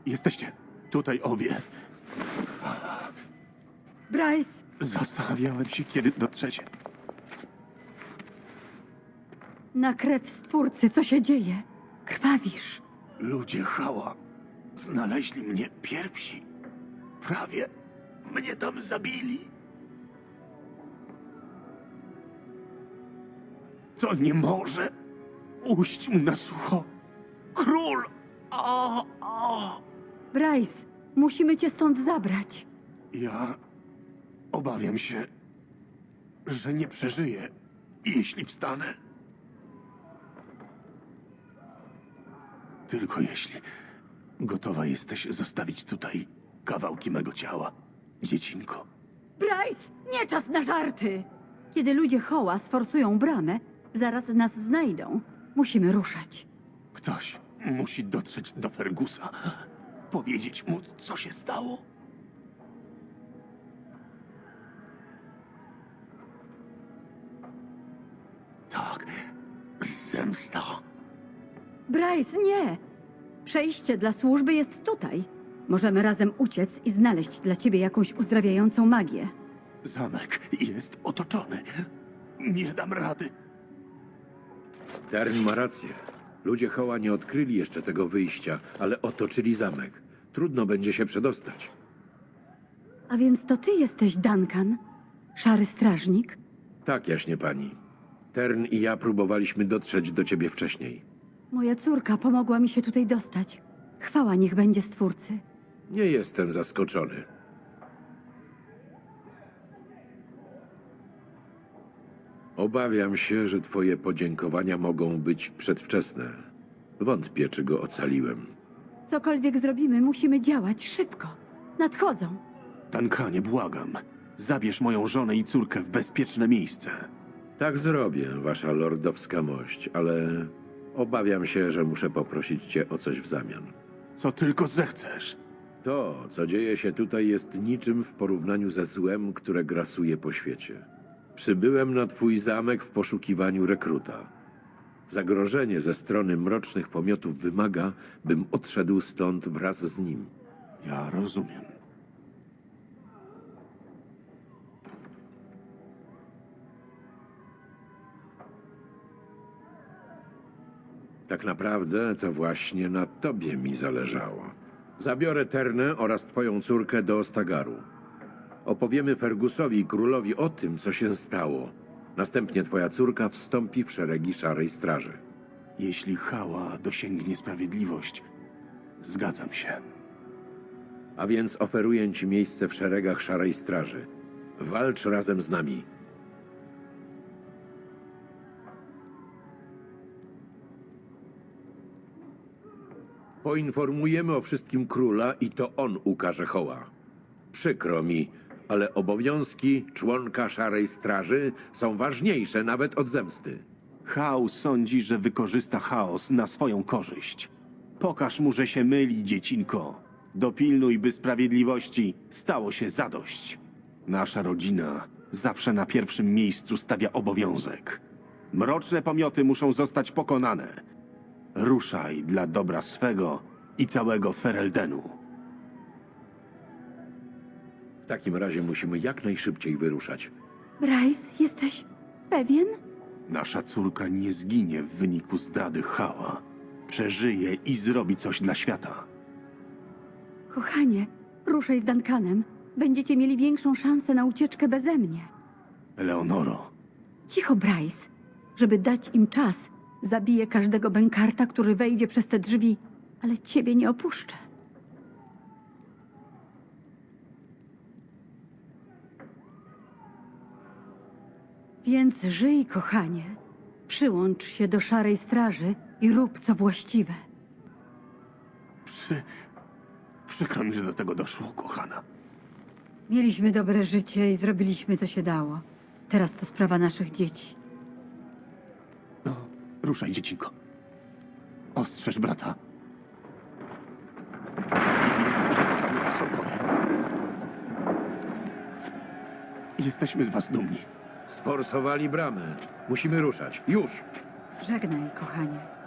Jesteście tutaj obie. Bryce! Zastanawiałem się, kiedy dotrzecie. Na krew Stwórcy, co się dzieje? Krwawisz. Ludzie Hała znaleźli mnie pierwsi. Prawie mnie tam zabili. To nie może ujść mu na sucho. Król! A. Bryce, musimy cię stąd zabrać. Ja obawiam się, że nie przeżyję, jeśli wstanę. Tylko jeśli gotowa jesteś zostawić tutaj kawałki mego ciała, dziecinko. Bryce, nie czas na żarty! Kiedy ludzie Hoła sforsują bramę, zaraz nas znajdą. Musimy ruszać. Ktoś musi dotrzeć do Fergusa, powiedzieć mu, co się stało. Tak, zemsta. Bryce, nie! Przejście dla służby jest tutaj. Możemy razem uciec i znaleźć dla ciebie jakąś uzdrawiającą magię. Zamek jest otoczony. Nie dam rady. Tern ma rację. Ludzie Hoła nie odkryli jeszcze tego wyjścia, ale otoczyli zamek. Trudno będzie się przedostać. A więc to ty jesteś Duncan? Szary strażnik? Tak, jaśnie pani. Tern i ja próbowaliśmy dotrzeć do ciebie wcześniej. Moja córka pomogła mi się tutaj dostać. Chwała niech będzie Stwórcy. Nie jestem zaskoczony. Obawiam się, że twoje podziękowania mogą być przedwczesne. Wątpię, czy go ocaliłem. Cokolwiek zrobimy, musimy działać szybko. Nadchodzą. Duncanie, błagam. Zabierz moją żonę i córkę w bezpieczne miejsce. Tak zrobię, wasza lordowska mość, ale obawiam się, że muszę poprosić cię o coś w zamian. Co tylko zechcesz. To, co dzieje się tutaj, jest niczym w porównaniu ze złem, które grasuje po świecie. Przybyłem na twój zamek w poszukiwaniu rekruta. Zagrożenie ze strony mrocznych pomiotów wymaga, bym odszedł stąd wraz z nim. Ja rozumiem. Tak naprawdę to właśnie na tobie mi zależało. Zabiorę Ternę oraz twoją córkę do Ostagaru. Opowiemy Fergusowi i królowi o tym, co się stało. Następnie twoja córka wstąpi w szeregi Szarej Straży. Jeśli Hała dosięgnie sprawiedliwość, zgadzam się. A więc oferuję ci miejsce w szeregach Szarej Straży. Walcz razem z nami. Poinformujemy o wszystkim króla i to on ukaże Hoła. Przykro mi, ale obowiązki członka Szarej Straży są ważniejsze nawet od zemsty. Hał sądzi, że wykorzysta chaos na swoją korzyść. Pokaż mu, że się myli, dziecinko. Dopilnuj, by sprawiedliwości stało się zadość. Nasza rodzina zawsze na pierwszym miejscu stawia obowiązek. Mroczne pomioty muszą zostać pokonane. Ruszaj dla dobra swego i całego Fereldenu. W takim razie musimy jak najszybciej wyruszać. Bryce, jesteś pewien? Nasza córka nie zginie w wyniku zdrady Hała. Przeżyje i zrobi coś dla świata. Kochanie, ruszaj z Duncanem. Będziecie mieli większą szansę na ucieczkę beze mnie. Eleonoro, Cicho, Bryce. Żeby dać im czas, zabiję każdego bękarta, który wejdzie przez te drzwi, ale ciebie nie opuszczę. Więc żyj, kochanie. Przyłącz się do Szarej Straży i rób co właściwe. przykro mi, że do tego doszło, kochana. Mieliśmy dobre życie i zrobiliśmy, co się dało. Teraz to sprawa naszych dzieci. No, ruszaj, dziecinko. Ostrzeż brata. I wiedz, że kochamy was oboje. Jesteśmy z was dumni. Sforsowali bramę. Musimy ruszać. Już! Żegnaj, kochanie.